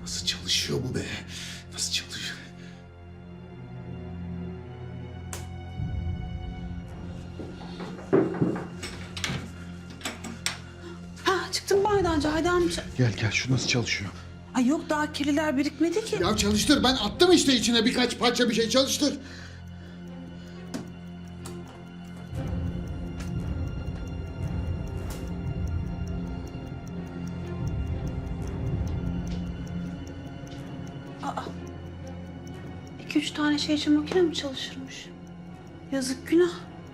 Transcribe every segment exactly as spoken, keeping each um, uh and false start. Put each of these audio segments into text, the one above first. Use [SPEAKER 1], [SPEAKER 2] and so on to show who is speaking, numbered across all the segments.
[SPEAKER 1] Nasıl çalışıyor bu be? Nasıl çalışıyor?
[SPEAKER 2] Ha çıktım banyodan Cahide amca.
[SPEAKER 1] Gel gel, şu nasıl çalışıyor?
[SPEAKER 2] Ay yok daha kirliler birikmedi ki.
[SPEAKER 1] Ya çalıştır, ben attım işte içine birkaç parça bir şey, çalıştır.
[SPEAKER 2] İki üç tane şey için makine mi çalışırmış? Yazık günah.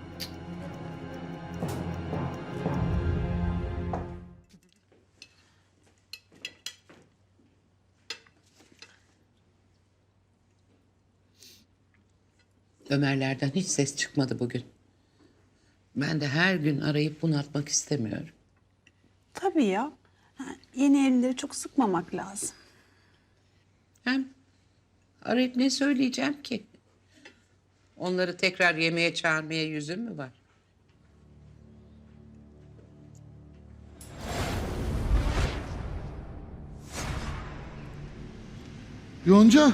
[SPEAKER 3] Ömerlerden hiç ses çıkmadı bugün. Ben de her gün arayıp bunaltmak istemiyorum.
[SPEAKER 2] Tabii ya. Ha, yeni evlileri çok sıkmamak lazım.
[SPEAKER 3] Hem arayıp ne söyleyeceğim ki? Onları tekrar yemeğe çağırmaya yüzüm mü var?
[SPEAKER 1] Yonca.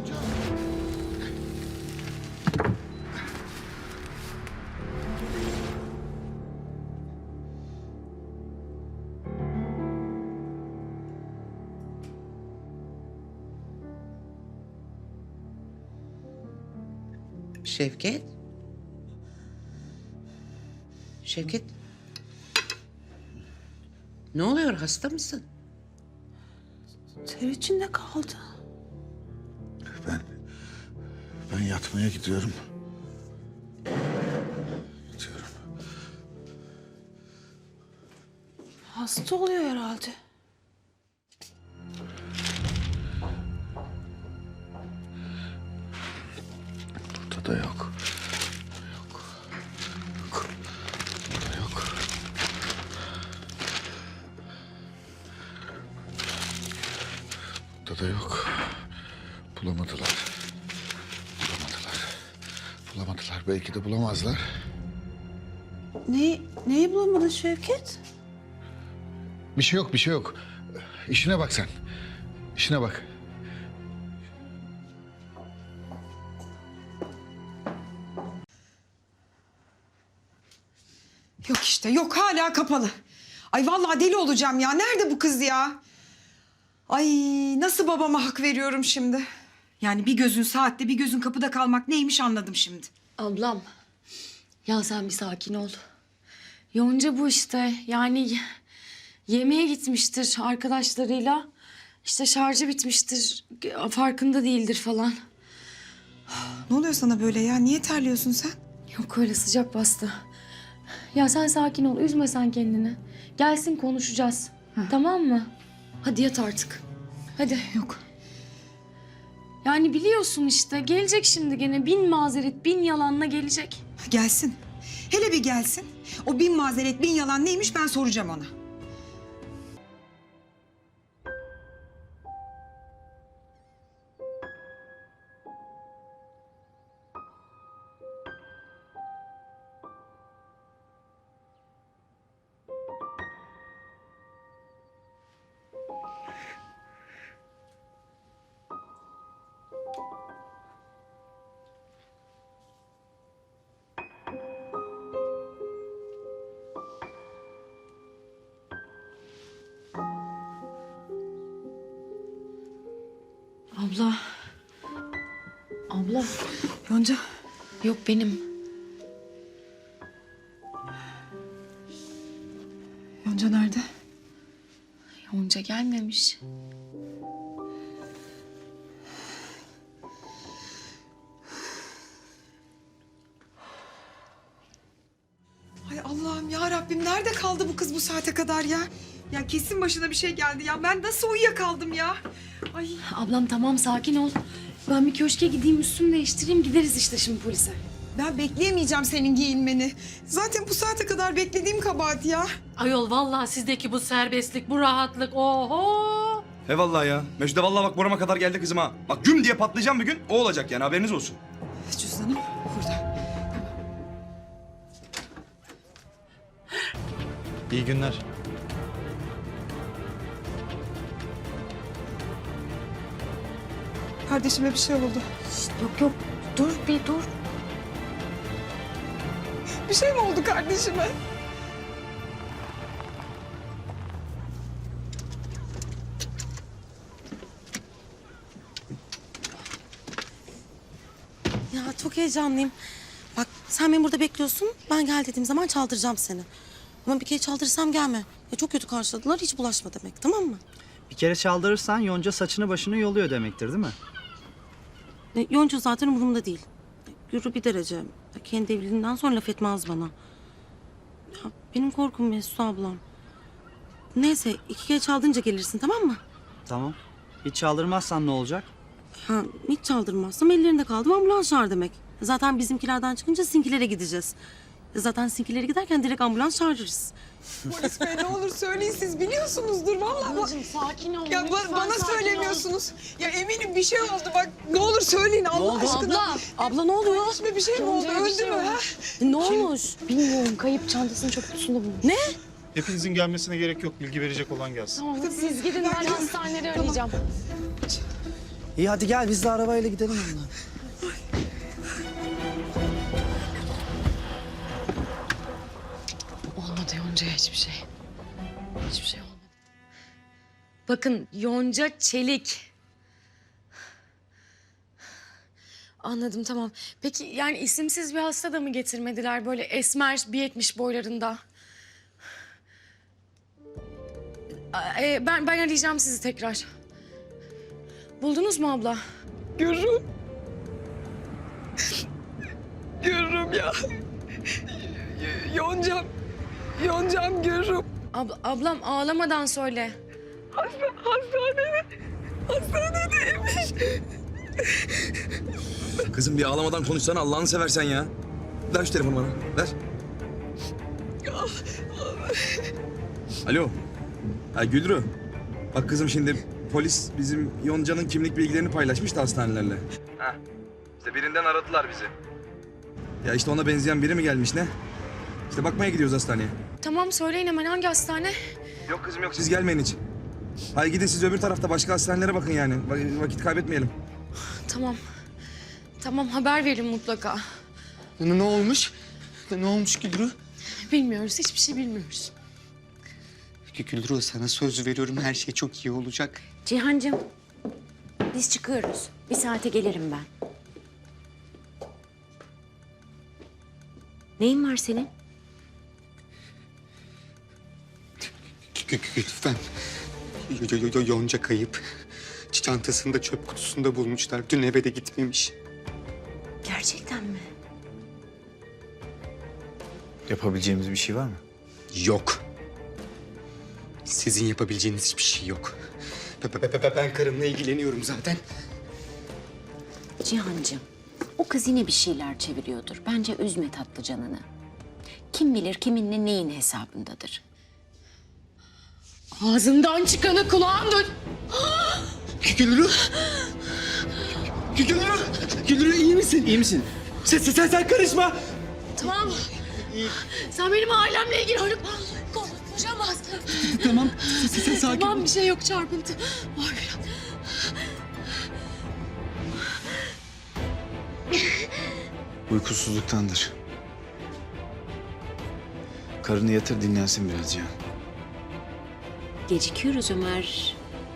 [SPEAKER 3] Şevket? Şevket? Ne oluyor, hasta mısın?
[SPEAKER 2] Ter içinde kaldı.
[SPEAKER 1] Ben, ben yatmaya gidiyorum. Yatıyorum.
[SPEAKER 2] Hasta oluyor herhalde.
[SPEAKER 1] Burada da yok. Yok. Yok. Burada yok. Burada da yok. Bulamadılar. Bulamadılar. Bulamadılar. Belki de bulamazlar.
[SPEAKER 2] Ne, neyi bulamadın Şevket?
[SPEAKER 1] Bir şey yok, bir şey yok. İşine bak sen. İşine bak.
[SPEAKER 4] Yok işte, yok hala kapalı. Ay vallahi deli olacağım ya. Nerede bu kız ya? Ay nasıl babama hak veriyorum şimdi? Yani bir gözün saatte, bir gözün kapıda kalmak neymiş anladım şimdi.
[SPEAKER 5] Ablam, ya sen bir sakin ol. Yonca bu işte. Yani yemeğe gitmiştir arkadaşlarıyla. İşte şarjı bitmiştir. Farkında değildir falan.
[SPEAKER 4] Ne oluyor sana böyle ya? Niye terliyorsun sen?
[SPEAKER 5] Yok öyle, sıcak bastı. Ya sen sakin ol, üzme sen kendini. Gelsin konuşacağız. Tamam mı? Hadi yat artık. Hadi.
[SPEAKER 4] Yok.
[SPEAKER 5] Yani biliyorsun işte, gelecek şimdi gene bin mazeret, bin yalanla gelecek.
[SPEAKER 4] Gelsin. Hele bir gelsin. O bin mazeret, bin yalan neymiş ben soracağım ona.
[SPEAKER 5] Abla. Abla.
[SPEAKER 4] Yonca.
[SPEAKER 5] Yok benim.
[SPEAKER 4] Yonca nerede?
[SPEAKER 5] Yonca gelmemiş.
[SPEAKER 4] Ay Allah'ım ya Rabbim nerede kaldı bu kız bu saate kadar ya? Ya kesin başına bir şey geldi ya. Ben nasıl uyuyakaldım ya? Ay.
[SPEAKER 5] Ablam tamam, sakin ol. Ben bir köşke gideyim, üstümü değiştireyim, gideriz işte şimdi polise.
[SPEAKER 4] Ben bekleyemeyeceğim senin giyinmeni. Zaten bu saate kadar beklediğim kabahat ya.
[SPEAKER 6] Ayol vallahi sizdeki bu serbestlik, bu rahatlık, oho!
[SPEAKER 7] He vallahi ya. Mecide vallahi bak burama kadar geldi kızım ha. Bak güm diye patlayacağım bir gün. O olacak yani, haberiniz olsun.
[SPEAKER 4] Cüzdanım burada.
[SPEAKER 8] İyi günler.
[SPEAKER 4] Kardeşime bir şey oldu.
[SPEAKER 5] Yok yok dur bir dur.
[SPEAKER 4] Bir şey mi oldu kardeşime?
[SPEAKER 8] Ya çok heyecanlıyım. Bak sen beni burada bekliyorsun. Ben gel dediğim zaman çaldıracağım seni. Ama bir kere çaldırırsam gelme. Ya çok kötü karşıladılar. Hiç bulaşma demek, tamam mı?
[SPEAKER 9] Bir kere çaldırırsan Yonca saçını başını yoluyor demektir değil mi?
[SPEAKER 8] E, Yonca zaten umurumda değil. Gürü bir derece. Ya kendi evliliğinden sonra laf etmez bana. Ya benim korkum Mesut ablam. Neyse iki kere çaldırınca gelirsin, tamam mı?
[SPEAKER 9] Tamam. Hiç çaldırmazsan ne olacak?
[SPEAKER 8] Ha, hiç çaldırmazsam ellerinde kaldım ambulans çağır demek. Zaten bizimkilerden çıkınca sinkilere gideceğiz. Zaten sinkilere giderken direkt ambulans çağırırız.
[SPEAKER 4] Polis bey ne olur söyleyin, siz biliyorsunuzdur vallahi.
[SPEAKER 5] Ablacığım sakin ol.
[SPEAKER 4] Ya ba-
[SPEAKER 5] lütfen
[SPEAKER 4] bana
[SPEAKER 5] sakin ol.
[SPEAKER 4] söylemiyorsunuz. Ya eminim bir şey oldu bak. Ne olur söyleyin Allah aşkına.
[SPEAKER 5] Abla.
[SPEAKER 8] Abla ne oluyor?
[SPEAKER 4] Kardeşime bir şey mi oldu?
[SPEAKER 5] Yonca'ya bir
[SPEAKER 4] Öldü
[SPEAKER 5] şey
[SPEAKER 4] mü?
[SPEAKER 5] oldu.
[SPEAKER 4] Ha?
[SPEAKER 8] Ne olmuş?
[SPEAKER 5] Bilmiyorum kayıp çantasını çöp kutusunda bulmuş.
[SPEAKER 8] Ne?
[SPEAKER 10] Hepinizin gelmesine gerek yok. Bilgi verecek olan gelsin.
[SPEAKER 5] Tamam siz gidin ben hastaneleri arayacağım.
[SPEAKER 9] İyi hadi gel biz de arabayla gidelim ondan.
[SPEAKER 5] Olmadı Yonca'ya hiçbir şey. Hiçbir şey olmadı. Bakın Yonca Çelik. Anladım tamam. Peki yani isimsiz bir hasta da mı getirmediler böyle esmer bir yetmiş boylarında? Aa, e, ben ben arayacağım sizi tekrar. Buldunuz mu abla?
[SPEAKER 4] Görürüm. Görürüm ya. Y- Yoncam. Yoncam görürüm.
[SPEAKER 5] Abla, ablam ağlamadan söyle.
[SPEAKER 4] Hasta, hastanede. Hastanedeymiş.
[SPEAKER 7] Kızım bir ağlamadan konuşsana Allah'ını seversen ya. Ver şu telefonu bana. Ver. Alo. Ha Gülru. Bak kızım şimdi polis bizim Yonca'nın kimlik bilgilerini paylaşmış da hastanelerle. Ha. İşte birinden aradılar bizi. Ya işte ona benzeyen biri mi gelmiş ne? İşte bakmaya gidiyoruz hastaneye.
[SPEAKER 5] Tamam söyleyin hemen hangi hastane?
[SPEAKER 7] Yok kızım yok siz gelmeyin hiç. Hayır gidin siz öbür tarafta başka hastanelere bakın yani. Va- Vakit kaybetmeyelim.
[SPEAKER 5] Tamam. Tamam haber verin mutlaka.
[SPEAKER 10] Ne, ne olmuş? Ne, ne olmuş Gülru?
[SPEAKER 5] Bilmiyoruz hiçbir şey bilmiyoruz.
[SPEAKER 11] Gülru sana söz veriyorum her şey çok iyi olacak.
[SPEAKER 12] Cihancığım, biz çıkıyoruz. Bir saate gelirim ben. Neyin var senin?
[SPEAKER 11] Lütfen. Yo- yo- yo- Yonca kayıp. Çantasını da çöp kutusunda bulmuşlar. Dün eve de gitmemiş.
[SPEAKER 12] Gerçekten mi?
[SPEAKER 10] Yapabileceğimiz bir şey var mı?
[SPEAKER 11] Yok. Sizin yapabileceğiniz hiçbir şey yok. Be- be- be- be- Ben karımla ilgileniyorum zaten.
[SPEAKER 12] Cihancığım, o kız yine bir şeyler çeviriyordur. Bence üzme tatlı canını. Kim bilir kiminle neyin hesabındadır.
[SPEAKER 5] Ağzından çıkanı kulağın duy.
[SPEAKER 11] Gülru. Gülru. Gülru iyi misin? İyi misin? Sen, sen, sen, sen karışma.
[SPEAKER 5] Tamam. Sen benim ailemle ilgili öyle konuşamaz.
[SPEAKER 11] Tamam. Sen, sen sakin
[SPEAKER 5] Tamam
[SPEAKER 11] ol.
[SPEAKER 5] bir şey yok çarpıntı. Var biraz.
[SPEAKER 10] Uykusuzluktandır. Karını yatır dinlensin biraz Cihan.
[SPEAKER 12] Gecikiyoruz Ömer.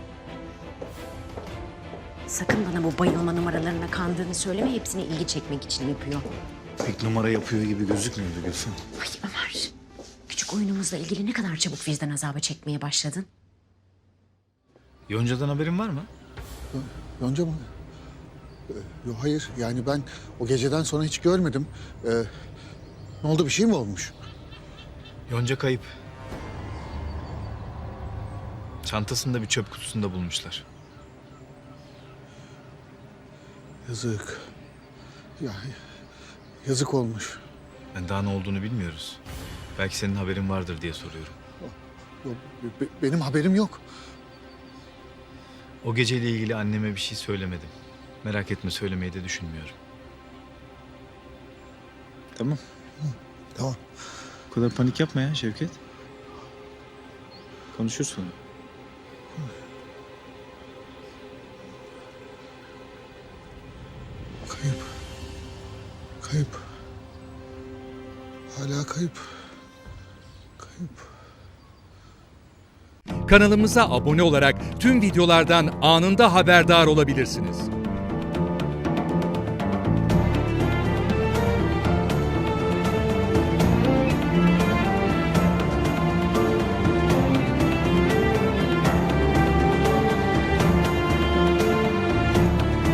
[SPEAKER 12] Sakın bana bu bayılma numaralarına kandığını söyleme. Hepsini ilgi çekmek için yapıyor.
[SPEAKER 10] Pek numara yapıyor gibi gözükmüyordu Gülfem.
[SPEAKER 12] Ay Ömer, küçük oyunumuzla ilgili ne kadar çabuk vicdan azabı çekmeye başladın.
[SPEAKER 10] Yonca'dan haberin var mı?
[SPEAKER 1] Yonca mı? Ee, Yok hayır yani ben o geceden sonra hiç görmedim. Ee, ne oldu bir şey mi olmuş?
[SPEAKER 10] Yonca kayıp. Çantasını da bir çöp kutusunda bulmuşlar.
[SPEAKER 1] Yazık. Ya yazık olmuş.
[SPEAKER 10] Ben daha ne olduğunu bilmiyoruz. Belki senin haberin vardır diye soruyorum.
[SPEAKER 1] Yok, be- benim haberim yok.
[SPEAKER 10] O geceyle ilgili anneme bir şey söylemedim. Merak etme söylemeyi de düşünmüyorum. Tamam.
[SPEAKER 1] Tamam.
[SPEAKER 10] Bu kadar panik yapma ya Şevket. Konuşuruz sonra.
[SPEAKER 1] Kayıp. Hala kayıp. Kayıp.
[SPEAKER 13] Kanalımıza abone olarak tüm videolardan anında haberdar olabilirsiniz.